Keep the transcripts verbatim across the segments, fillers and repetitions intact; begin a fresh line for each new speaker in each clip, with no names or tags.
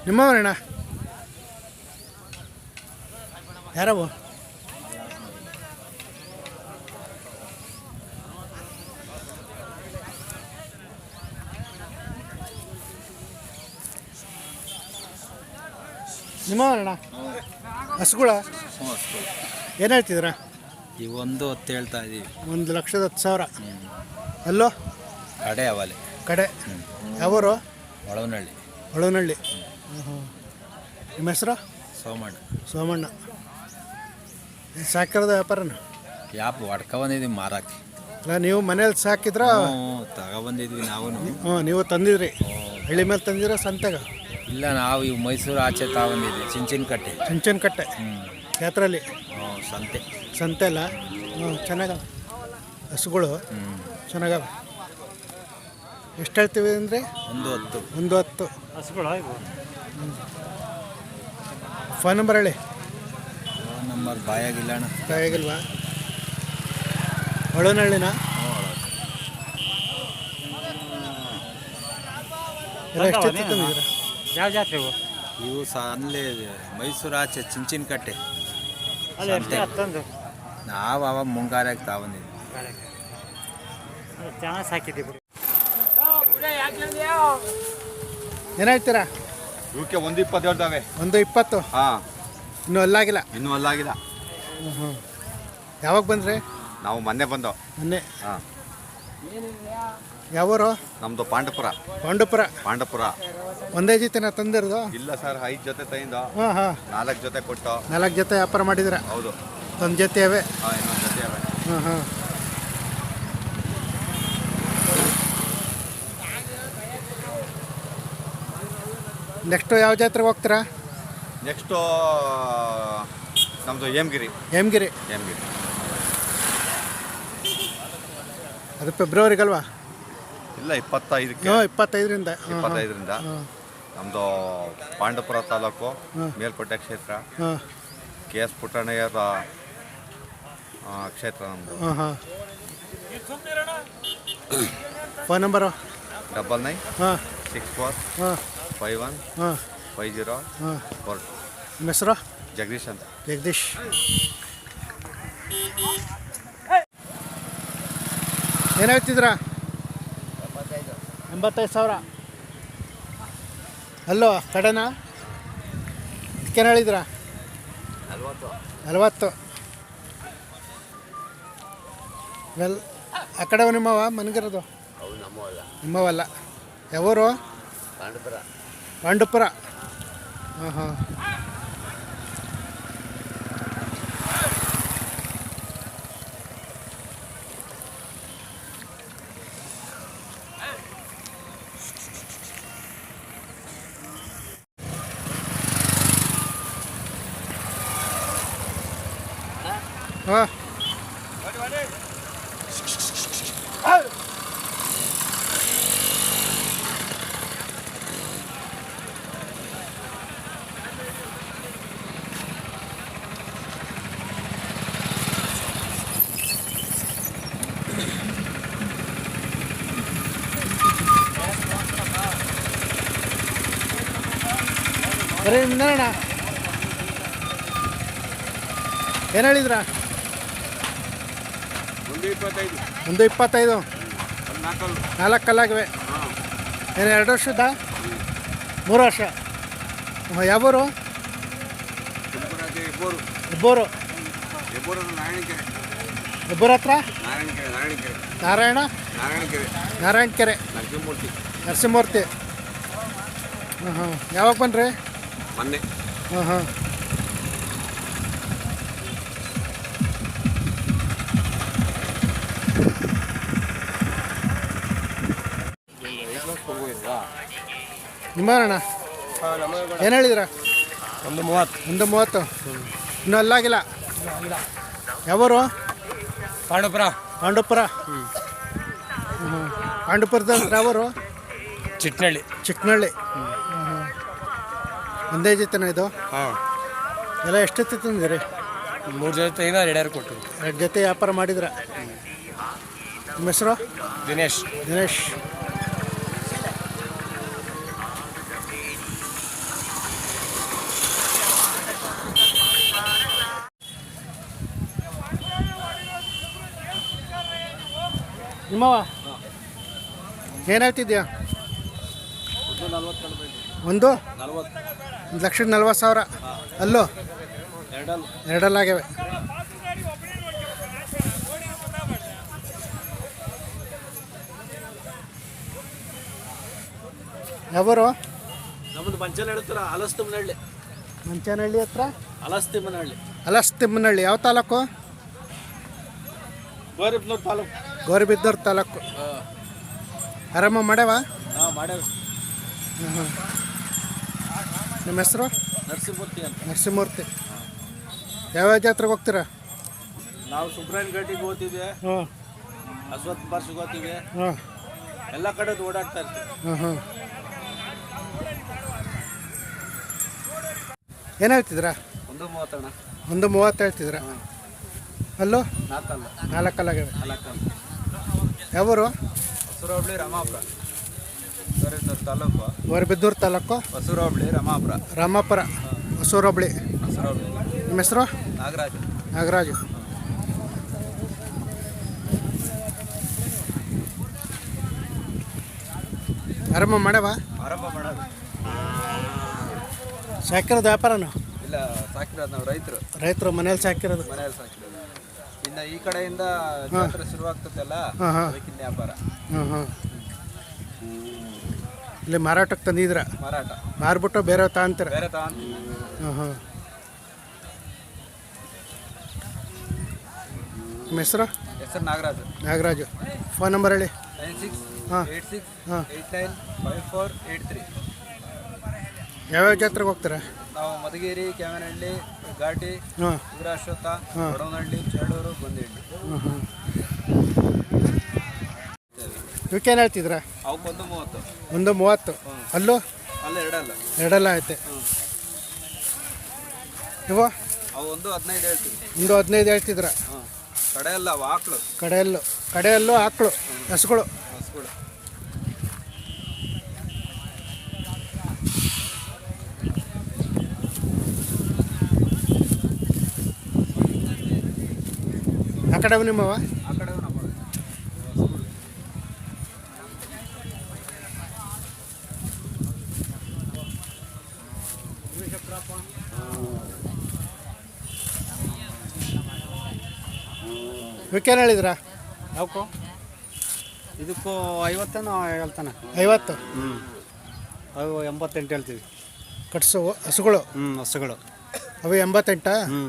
ನಿಮ್ಮವರಣ್ಣ ಯಾರವು? ನಿಮ್ಮವರಣ್ಣ ಹಸುಗಳ ಏನು ಹೇಳ್ತಿದ್ದೀರ?
ಈ ಒಂದು ಹೊತ್ತು ಹೇಳ್ತಾ ಇದ್ದೀವಿ.
ಒಂದು ಲಕ್ಷದ ಹತ್ತು ಸಾವಿರ. ಅಲ್ಲೋ
ಕಡೆ ಅವಲೆ
ಕಡೆ ಯಾವರು?
ಒಳವನಹಳ್ಳಿ.
ಒಳವನಹಳ್ಳಿ. ಹ್ಞೂ. ನಿಮ್ಮ ಹೆಸರು?
ಸೋಮಣ್ಣ.
ಸೋಮಣ್ಣ. ಸಾಕಿರೋದು ವ್ಯಾಪಾರನ?
ಯಾಪ್ ಹೊಡ್ಕೊ ಬಂದಿದ್ದೀವಿ ಮಾರಾಕಿ.
ಅಲ್ಲ ನೀವು ಮನೇಲಿ ಸಾಕಿದ್ರ?
ತಗೊಬಂದಿದ್ವಿ ನಾವು.
ಹ್ಞೂ ನೀವು ತಂದಿದ್ರಿ? ಹಳ್ಳಿ ಮೇಲೆ ತಂದಿರೋ ಸಂತೆಗ?
ಇಲ್ಲ, ನಾವು ಇವು ಮೈಸೂರು ಆಚೆ ತಗೊಂಡಿದ್ವಿ. ಚಿಂಚಿನ ಕಟ್ಟೆ.
ಚಿಂಚನ ಕಟ್ಟೆ ಜಾತ್ರೆಯಲ್ಲಿ?
ಹ್ಞೂ, ಸಂತೆ.
ಸಂತೆ ಅಲ್ಲ? ಹ್ಞೂ, ಚೆನ್ನಾಗವ ಹಸುಗಳು.
ಹ್ಞೂ,
ಚೆನ್ನಾಗವ. ಎಷ್ಟು ಹೇಳ್ತೀವಿ ಅಂದರೆ?
ಒಂದು ಹತ್ತು.
ಒಂದು ಹತ್ತು ಹಸುಗಳು. ಫೋನ್ ನಂಬರ್ ಹೇಳಿ.
ಫೋನ್ ನಂಬರ್ ಬಾಯಾಗಿಲ್ಲ ಅಣ್ಣ.
ಬಾಯಾಗಿಲ್ವಾ? ಒಳವನಹಳ್ಳಿನ? ಎಲ್ಲ ಎಷ್ಟು ತಂದಿದ್ದೀರಾ?
ಯಾವ ಜಾತ್ರೆ ಇವು?
ಇವು ಸಹ ಅಲ್ಲೇ ಮೈಸೂರು ಆಚೆ ಚಿಂಚಿನ ಕಟ್ಟೆ. ನಾವು ಅವಾಗ ಮುಂಗಾರಾಗಿ ತಗೊಂಡಿದ್ವಿ.
ಚೆನ್ನಾಗಿ ಸಾಕಿದ್ದೀವಿ.
ಏನು ಹೇಳ್ತೀರಾ?
ಇವಕ್ಕೆ ಒಂದು ಇಪ್ಪತ್ತು ಹೇಳ್ತಾವೆ.
ಒಂದು ಇಪ್ಪತ್ತು?
ಹಾಂ.
ಇನ್ನೂ ಅಲ್ಲಾಗಿಲ್ಲ?
ಇನ್ನೂ ಅಲ್ಲಾಗಿಲ್ಲ.
ಹ್ಞೂ ಹ್ಞೂ. ಯಾವಾಗ ಬಂದ್ರಿ?
ನಾವು ಮೊನ್ನೆ ಬಂದೋ.
ಮೊನ್ನೆ?
ಹಾಂ.
ಯಾವೂರು?
ನಮ್ಮದು ಪಾಂಡಪುರ.
ಪಾಂಡಪುರ.
ಪಾಂಡಪುರ.
ಒಂದೇ ಜೊತೆನ ತಂದಿರೋದು?
ಇಲ್ಲ ಸರ್, ಐದು ಜೊತೆ ತೈಂದು.
ಹಾಂ ಹಾಂ.
ನಾಲ್ಕು ಜೊತೆ ಕೊಟ್ಟು.
ನಾಲ್ಕು ಜೊತೆ ವ್ಯಾಪಾರ ಮಾಡಿದ್ರ?
ಹೌದು.
ಒಂದು ಜೊತೆ ಅವೇ?
ಹಾಂ, ಇನ್ನೊಂದು ಜೊತೆ ಅವೆ.
ಹಾಂ ಹಾಂ. ನೆಕ್ಸ್ಟು ಯಾವ ಜಾತ್ರೆಗೆ ಹೋಗ್ತೀರಾ?
ನೆಕ್ಸ್ಟು ನಮ್ಮದು ಹೇಮಗಿರಿ.
ಹೇಮಗಿರಿ?
ಹೇಮಗಿರಿ.
ಅದು ಫೆಬ್ರವರಿಗಲ್ವಾ?
ಇಲ್ಲ, ಇಪ್ಪತ್ತೈದಕ್ಕೆ.
ಹ್ಞೂ, ಇಪ್ಪತ್ತೈದರಿಂದ.
ಇಪ್ಪತ್ತೈದರಿಂದ. ನಮ್ಮದು ಪಾಂಡಪುರ ತಾಲೂಕು, ಮೇಲ್ಕೋಟೆ ಕ್ಷೇತ್ರ.
ಹಾಂ.
ಕೆ ಎಸ್ ಪುಟ್ಟಣ್ಣಯ್ಯರ ಕ್ಷೇತ್ರ ನಮ್ಮದು.
ಹಾಂ ಹಾಂ. Phone number?
ಡಬಲ್ ನೈನ್
ಹಾಂ
ಸಿಕ್ಸ್ ಫೋರ್
ಹಾಂ
ಫೈವ್ ಒನ್
ಹಾಂ
ಫೈವ್ ಜೀರೋ
ಹಾಂ.
ಫೋರ್.
ನಿಮ್ಮ ಹೆಸರು?
ಜಗದೀಶ್ ಅಂತ.
ಜಗದೀಶ್. ಏನು ಹೇಳ್ತಿದ್ದೀರಾ? ಎಂಬತ್ತೈದು ಸಾವಿರ. ಅಲ್ಲೋ ಕಡೆನಾ? ಇದಕ್ಕೇನು ಹೇಳಿದ್ರಾ? ನಲ್ವತ್ತು. ವೆಲ್, ಆ ಕಡೆ ನಿಮ್ಮವ ಮನಗಿರೋದು? ನಿಮ್ಮವಲ್ಲ. ಯಾವೂರು?
ಪಾಂಡಪುರ.
ಪಾಂಡಪುರ. ಹಾಂ ಹಾಂ. ಹಾಂ. ಬರೀ ನಿಂದಣ್ಣ. ಏನು ಹೇಳಿದ್ರಾ?
ಒಂದು ಇಪ್ಪತ್ತೈದು.
ಒಂದು ಇಪ್ಪತ್ತೈದು. ನಾಲ್ಕು ಕಲ್ಲಾಗಿವೆ. ಏನು ಎರಡು ವರ್ಷದ? ಮೂರು ವರ್ಷ. ಹಾಂ. ಯಾವೂರು? ಇಬ್ಬರು.
ನಾರಾಯಣಕೆರೆ.
ಇಬ್ಬರ ಹತ್ರ?
ನಾರಾಯಣಕೆರೆ. ನಾರಾಯಣಕೆರೆ.
ನಾರಾಯಣ
ನಾರಾಯಣಕೆರೆ.
ನಾರಾಯಣಕೆರೆ.
ನರಸಿಂಹಮೂರ್ತಿ.
ನರಸಿಂಹಮೂರ್ತಿ. ಹಾಂ ಹಾಂ. ಯಾವಾಗ ಬನ್ರಿ?
ಮೊನ್ನೆ.
ಹಾಂ ಹಾಂ. ನಿಮ್ಮಣ್ಣ ಏನು ಹೇಳಿದ್ರ?
ಒಂದು ಮೂವತ್ತು.
ಒಂದು ಮೂವತ್ತು. ಇನ್ನೂ ಅಲ್ಲಾಗಿಲ್ಲ? ಯಾವೂರು?
ಪಾಂಡಪುರ.
ಪಾಂಡಪುರ. ಹ್ಞೂ. ಪಾಂಡಪುರದ ಯಾವೂರು?
ಚಿಟ್ನಳ್ಳಿ.
ಚಿಕ್ಕನಹಳ್ಳಿ. ಹ್ಞೂ. ಒಂದೇ ಜೊತೆನ ಇದು?
ಹಾಂ.
ಎಲ್ಲ ಎಷ್ಟೊತ್ತಿ ತಂದಿರಿ?
ಮೂರು ಜೊತೆ ಈಗ ಎರಡ್ಯಾರು ಕೊಟ್ಟು.
ಎರಡು ಜೊತೆ ವ್ಯಾಪಾರ ಮಾಡಿದ್ರ? ನಿಮ್ಮ ಹೆಸರು?
ದಿನೇಶ್.
ದಿನೇಶ್. ನಿಮ್ಮವ ಏನು ಹೇಳ್ತಿದ್ಯಾ ಒಂದು ಒಂದು ಲಕ್ಷದ ನಲ್ವತ್ತು ಸಾವಿರ ಅಲ್ಲೋ ಎರಡಲ್ಲಾಗ್ಯವೆ. ಯಾವರು
ನಮ್ಮದು ಮಂಚನ ಹೇಳ್ತಾರ ಅಲಸ್ತಿಮ್ಮನಹಳ್ಳಿ.
ಮಂಚನಹಳ್ಳಿ ಹತ್ರ
ಅಲಸ್ತಿಮ್ಮನಹಳ್ಳಿ
ಅಲಸ್ತಿಮ್ಮನಹಳ್ಳಿ ಯಾವ ತಾಲೂಕು?
ಗೋರಿಬ್ನೂರು ತಾಲೂಕು.
ಗೌರಿಬಿದ್ದೂರು ತಾಲೂಕು. ಆರಾಮ ಮಾಡ್ಯಾವ?
ಹಾಂ ಮಾಡ್ಯಾವ.
ಹಾಂ ನಿಮ್ಮ ಹೆಸರು?
ನರಸಿಂಹಮೂರ್ತಿ ಅಂತ.
ನರಸಿಂಹಮೂರ್ತಿ. ಯಾವ್ಯಾವ ಜಾತ್ರೆಗೆ ಹೋಗ್ತೀರಾ?
ನಾವು ಸುಬ್ರಹ್ಮಣ್ಯ ಘಾಟಿಗೆ ಹೋಗ್ತೀವಿ,
ಹಾಂ
ಅಶ್ವತ್ಥ ಪಾರ್ಶ್ಗೆ ಹೋಗ್ತೀವಿ,
ಹಾಂ
ಎಲ್ಲ ಕಡೆ ಓಡಾಡ್ತಾ ಇರ್ತೀವಿ.
ಹಾಂ ಹಾಂ ಏನು ಹೇಳ್ತಿದ್ದೀರಾ?
ಒಂದು ಮೂವತ್ತಣ್ಣ.
ಒಂದು ಮೂವತ್ತು ಹೇಳ್ತಿದ್ದೀರಾ? ಅಲ್ಲೋ
ನಾಲ್ಕಲ್ಲ
ನಾಲ್ಕಲ್ಲಾಗ್ಯವೆ.
ನಾಲ್ಕಲ್ಲ.
ಯಾವರು?
ಹೊಸೂರು ಹೋಬಳಿ ರಾಮಾಪುರ ಗೌರಿಬಿದೂರು ತಾಲೂಕು.
ಗೌರಿಬಿದ್ದೂರು ತಾಲೂಕು
ಹೊಸೂರು ಹೋಬಳಿ ರಾಮಾಪುರ
ರಾಮಾಪುರ ಹೊಸೂರು ಹೋಬಳಿ.
ಹೊಸೂರು ಹೋಬಳಿ.
ನಿಮ್ಮ ಹೆಸರು?
ನಾಗರಾಜ್.
ನಾಗರಾಜು. ಆರಂಭ ಮಾಡ್ಯಾವ?
ಆರಂಭ ಮಾಡೋದು
ಸಾಕಿರೋದು ವ್ಯಾಪಾರನು?
ಇಲ್ಲ, ಸಾಕಿರೋದು ನಾವು ರೈತರು.
ರೈತರು ಮನೇಲಿ ಸಾಕಿರೋದು.
ಮನೆಯಲ್ಲಿ ಸಾಕಿರೋದು. ಇನ್ನು ಈ ಕಡೆಯಿಂದ ಜಾತ್ರೆ ಶುರುವಾಗ್ತದಲ್ಲ,
ಹಾಂ ಹಾಂ
ಅದಕ್ಕಿನ್ನ ವ್ಯಾಪಾರ.
ಹಾಂ ಹಾಂ ಇಲ್ಲಿ ಮಾರಾಟಕ್ಕೆ ತಂದಿದ್ರ?
ಮಾರಾಟ
ಮಾರ್ಬಿಟ್ಟು ಬೇರೆ ತಗೊಂತೀರ?
ಬೇರೆ ತಗೊಂತೀವಿ.
ಹಾಂ ಹಾಂ ನಿಮ್ಮ ಹೆಸರು?
ಹೆಸರು ನಾಗರಾಜ್.
ನಾಗರಾಜು. ಫೋನ್ ನಂಬರ್ ಹೇಳಿ.
ನೈನ್ ಸಿಕ್ಸ್
ಹಾಂ
ಏಯ್ಟ್ ಸಿಕ್ಸ್
ಹಾಂ
eight nine five four eight three.
ಯಾವ್ಯಾವ ಜಾತ್ರೆಗೆ ಹೋಗ್ತೀರಾ?
ನಾವು ಮಧುಗಿರಿ, ಕ್ಯಾಮನಹಳ್ಳಿ, ಘಾಟಿ,
ಹಾಂ
ವೀರಾಶ್ವತ್ಥ,
ಹಾಂ.
ಬಡವನಹಳ್ಳಿ, ಚೇಳೂರು, ಬಂದಿಹಳ್ಳಿ.
ಹಾಂ ಹಾಂ ಇವಕ್ಕೇನು ಹೇಳ್ತಿದ್ರಾ?
ಅವಕ್ಕೆ ಒಂದು ಮೂವತ್ತು.
ಒಂದು ಮೂವತ್ತು. ಅಲ್ಲೂ
ಅಲ್ಲ ಎರಡಲ್ಲ.
ಎರಡೆಲ್ಲ ಐತೆ. ಇವು
ಅವು ಒಂದು ಹದಿನೈದು ಹೇಳ್ತೀವಿ.
ಒಂದು ಹದಿನೈದು ಹೇಳ್ತಿದ್ರ?
ಹಾಂ. ಕಡೆ ಅಲ್ಲ, ಅವು ಆಕಳು.
ಕಡೆಯಲ್ಲೂ ಕಡೆಯಲ್ಲೂ ಆಕಳು ಹಸುಗಳು.
ಹಸುಗಳು.
ಆ ಕಡೆ ನಿಮ್ಮವ?
ಆ ಕಡೆ ನಮ್ಮ
ಇವಕ್ಕೇನು ಹೇಳಿದ್ರಾ?
ಯಾಕೋ ಇದಕ್ಕೂ ಐವತ್ತೇನೋ ಹೇಳ್ತಾನೆ.
ಐವತ್ತು.
ಹ್ಞೂ ಅವು ಎಂಬತ್ತೆಂಟು ಹೇಳ್ತೀವಿ.
ಕಟ್ಸು ಹಸುಗಳು.
ಹ್ಞೂ ಹಸುಗಳು
ಅವು ಎಂಬತ್ತೆಂಟಾ?
ಹ್ಞೂ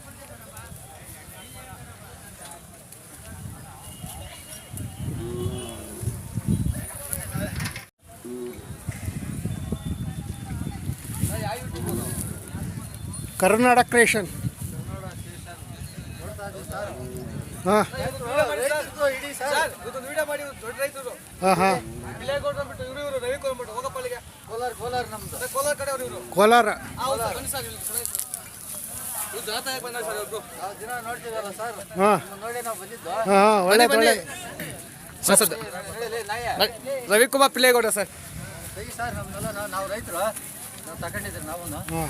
ಕರ್ನಾಟಕ ಕ್ರಿಯೇಷನ್. ಹಾಂ ಹಾಂ ಹಾಂ ಕೋಲಾರ. ಹಾಂ ಹಾಂ ಒಳ್ಳೇದು ಒಳ್ಳೆ.
ರವಿಕುಮಾರ್ ಪಿಲ್ಲೇಗೌಡ ಸರ್.
ನಾವು ರೈತರು ನಾವು ತಗೊಂಡಿದ್ದೀವಿ ನಾವು.
ಹಾಂ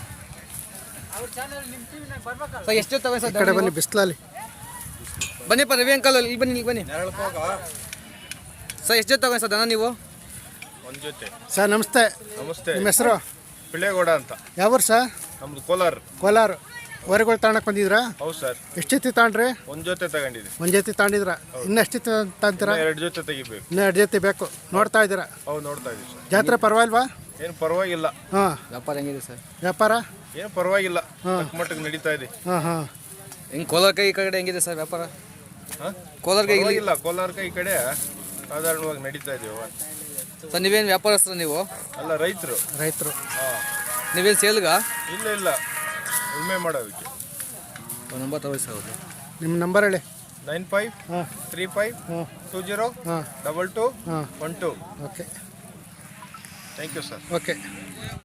ಸರ್ ಎಷ್ಟು ತಗೋ
ಈ
ಸರ್?
ಕಡೆ ಬನ್ನಿ ಬಿಸಿಲಲ್ಲಿ.
ಬನ್ನಿಪ್ಪ ರವಿ ಅಂಕಲ್, ಇಲ್ಲಿ ಬನ್ನಿ, ಇಲ್ಲಿ ಬನ್ನಿ ಸರ್. ಎಷ್ಟು ತಗೋ ಸರ್ ದನ ನೀವು?
ಒಂದು ಜೊತೆ.
ಸರ್ ನಮಸ್ತೆ.
ನಮಸ್ತೆ.
ನಿಮ್ಮ ಹೆಸರು?
ಪಿಳ್ಳೇಗೌಡ ಅಂತ.
ಯಾವೂರು ಸರ್?
ನಮ್ದು ಕೋಲಾರ.
ಕೋಲಾರ. ಹೊರಗಳು ತಗೊಳಕ್ ಬಂದಿದ್ರಾ?
ಹೌದು ಸರ್.
ಎಷ್ಟು ಜೊತೆ ತಗೊಂಡ್ರಿ?
ಒಂದು ಜೊತೆ ತಗೊಂಡಿದ್ದೀವಿ.
ಒಂದು ಜೊತೆ ತಗೊಂಡಿದ್ರ? ಇನ್ನು ಎಷ್ಟು ಜೊತೆ ತಗೊಂತೀರಾ?
ಎರಡು ಜೊತೆ ತೆಗಿಬೇಕು.
ಇನ್ನೂ ಎರಡು ಜೊತೆ ಬೇಕು. ನೋಡ್ತಾ ಇದ್ದೀರಾ?
ಹೌದು, ನೋಡ್ತಾ ಇದ್ದೀವಿ ಸರ್.
ಜಾತ್ರೆ ಪರವಾಗಿಲ್ವಾ?
ಏನು ಪರವಾಗಿಲ್ಲ.
ಹಾಂ
ವ್ಯಾಪಾರ ಹೆಂಗಿದೆ ಸರ್?
ವ್ಯಾಪಾರ
ಏನು ಪರವಾಗಿಲ್ಲ,
ಹಾಂ.
ತಕ್ಕ ಮಟ್ಟಿಗೆ ನಡೀತಾ ಇದೆ.
ಹಾಂ ಹಾಂ
ಹಿಂಗೆ ಕೋಲಾರ ಕೈ ಈ ಕಡೆ ಹೆಂಗಿದೆ ಸರ್ ವ್ಯಾಪಾರ?
ಹಾಂ,
ಕೋಲಾರ ಕೈ ಇಲ್ಲಿ
ಪರವಾಗಿಲ್ಲ. ಕೋಲಾರ ಈ ಕಡೆ ಸಾಧಾರಣವಾಗಿ ನಡೀತಾ ಇದೀವಿ.
ಸರ್ ನೀವೇನು ವ್ಯಾಪಾರಸ್ಥರು ನೀವು?
ಅಲ್ಲ, ರೈತರು.
ರೈತರು.
ಹಾಂ.
ನೀವೇನು ಸೇಲ್ಗಾ?
ಇಲ್ಲ ಇಲ್ಲ, ಉಳ್ಮೆ ಮಾಡೋದಕ್ಕೆ.
ಒಂದು ನಂಬರ್ ತಗೋ ಸರ್. ಹೌದು.
ನಿಮ್ಮ ನಂಬರ್ ಹೇಳಿ.
ನೈನ್ ಫೈವ್
ಹಾಂ
ತ್ರೀ ಫೈವ್
ಹಾಂ
ಟೂ ಜೀರೋ
ಹಾಂ
ಡಬಲ್ ಟು
ಹಾಂ
one two.
Okay
thank you sir.
Okay